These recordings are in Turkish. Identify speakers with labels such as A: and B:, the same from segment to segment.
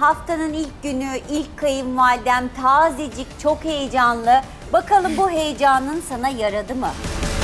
A: haftanın ilk günü, ilk kayınvalidem tazecik, çok heyecanlı. Bakalım bu heyecanın sana yaradı mı?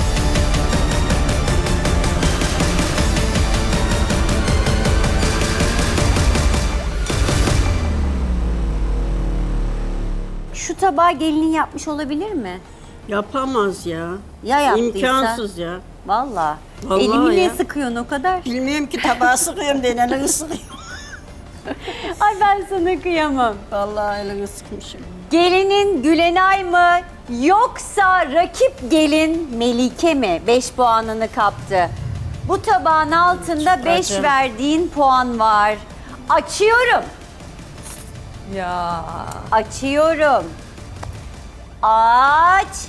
A: Şu tabağı gelinin yapmış olabilir mi?
B: Yapamaz ya.
A: Ya yaptıysa?
B: İmkansız ya.
A: Vallahi.
B: Vallahi
A: Elimi niye
B: ya.
A: sıkıyorsun o kadar?
B: Bilmiyorum ki tabağı sıkıyorum diye elini sıkıyorum.
A: Ay ben sana kıyamam.
B: Vallahi elini sıkmışım.
A: Gelinin Gülenay mı yoksa rakip gelin Melike mi 5 puanını kaptı? Bu tabağın altında 5
B: Çıkacağım.
A: verdiğin puan var. Açıyorum.
C: Ya.
A: Açıyorum. Açtım.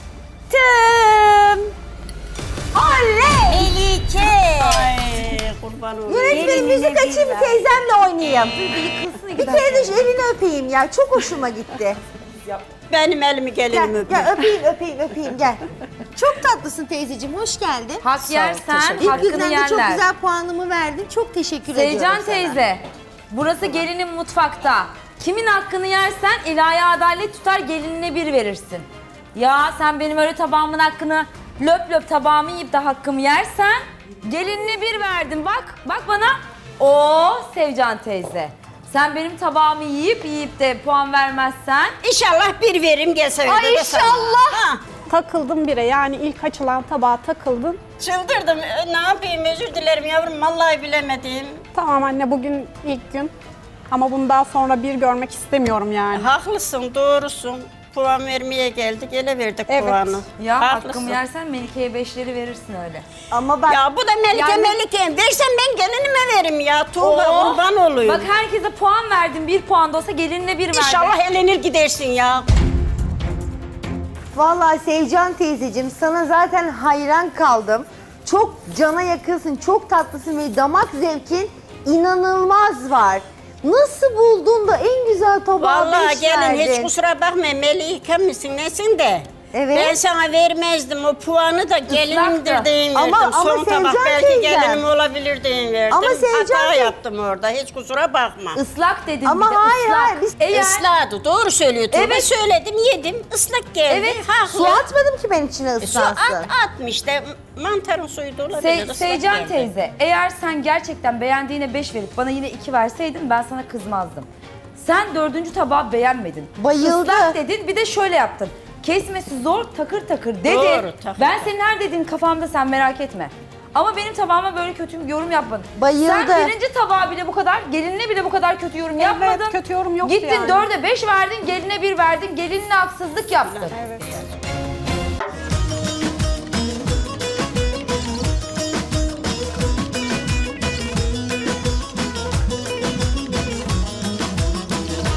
A: Oley! Melike!
B: Ay kurban olayım.
D: Yönetmenim müzik açayım teyzemle oynayayım. Bir kere de şu elini öpeyim ya. Çok hoşuma gitti.
B: Benim elimi
D: Gel,
B: gelin öpün.
D: gel öpeyim gel. Çok tatlısın teyzeciğim, hoş geldin.
C: Hak yersen
D: İlk
C: hakkını
D: günden de çok
C: yerler.
D: güzel puanımı verdin. Çok teşekkür ediyorum
C: Seycan
D: sana.
C: teyze, burası gelinin mutfakta. Kimin hakkını yersen ilahi adalet tutar, gelinine 1 verirsin. Ya sen benim öyle tabağımın hakkını löp löp tabağımı yiyip de hakkımı yersen gelinine 1 verdim. Bak bana. Oo Sevcan teyze. Sen benim tabağımı yiyip de puan vermezsen
B: İnşallah bir verim gelse öyle
C: Ay
B: de sana.
C: inşallah.
B: Ha,
E: Takıldım bire, yani ilk açılan tabağa takıldım.
B: çıldırdım. Ne yapayım, özür dilerim yavrum. Vallahi bilemedim.
E: Tamam anne, bugün ilk gün ama bundan sonra bir görmek istemiyorum yani.
B: Haklısın, doğrusun. Puan vermeye geldik, ele verdik
E: Evet.
B: puanı.
C: ya
B: Haklısın.
C: hakkımı yersen Melike'ye 5'leri verirsin öyle.
D: Ama bak
B: Ya bu da Melike
C: Yani-
B: Melike. Versen ben gelinime verim ya. Tuğba
C: Oo,
B: kurban olayım.
C: Bak herkese puan verdim, 1 puan da olsa gelinine 1 verdim.
B: İnşallah elenir gidersin ya.
D: vallahi Seycan teyzeciğim sana zaten hayran kaldım. Çok cana yakınsın, çok tatlısın ve damak zevkin inanılmaz var. Nasıl buldun da en güzel tabağı
B: Vallahi
D: 5
B: gelin
D: verdin?
B: hiç kusura bakma Melike misin nesin de.
D: Evet.
B: Ben sana vermezdim o puanı da gelinimdir deyin verdim.
D: Ama
B: Son
D: Sevcan
B: tabak belki
D: teyzem.
B: gelinim olabilir deyin verdim.
D: Ama Sevcan
B: Hata
D: tey-
B: yaptım orada hiç kusura bakma.
C: Islak dedim
D: Ama
C: bir de
D: hayır,
C: ıslak.
D: hayır, biz-
C: Eğer
B: Isladı doğru söylüyor Tuğba.
C: Evet.
B: Söyledim yedim ıslak geldi.
C: Evet.
B: Haklı.
D: Su atmadım ki ben içine
B: Su
D: ıslansın.
B: atmış da mantarın suyu da olabilir. ıslak
C: Seycan
B: geldi.
C: teyze, eğer sen gerçekten beğendiğine 5 verip bana yine 2 verseydin ben sana kızmazdım. Sen 4. tabağı beğenmedin.
D: Bayıldı.
C: Islak dedin, bir de şöyle yaptın. Kesmesi zor, takır takır dedin.
B: Doğru, takır
C: Ben
B: takır.
C: senin her dediğin kafamda, sen merak etme. Ama benim tabağıma böyle kötü bir yorum yapmadın.
D: Bayıldı.
C: Sen 1. tabağa bile bu kadar, gelinine bile bu kadar kötü yorum yapmadın.
E: kötü yorum yoktu
C: Gittin
E: yani.
C: 4'e 5 verdin, geline 1 verdin, gelinine haksızlık yaptın.
E: Evet.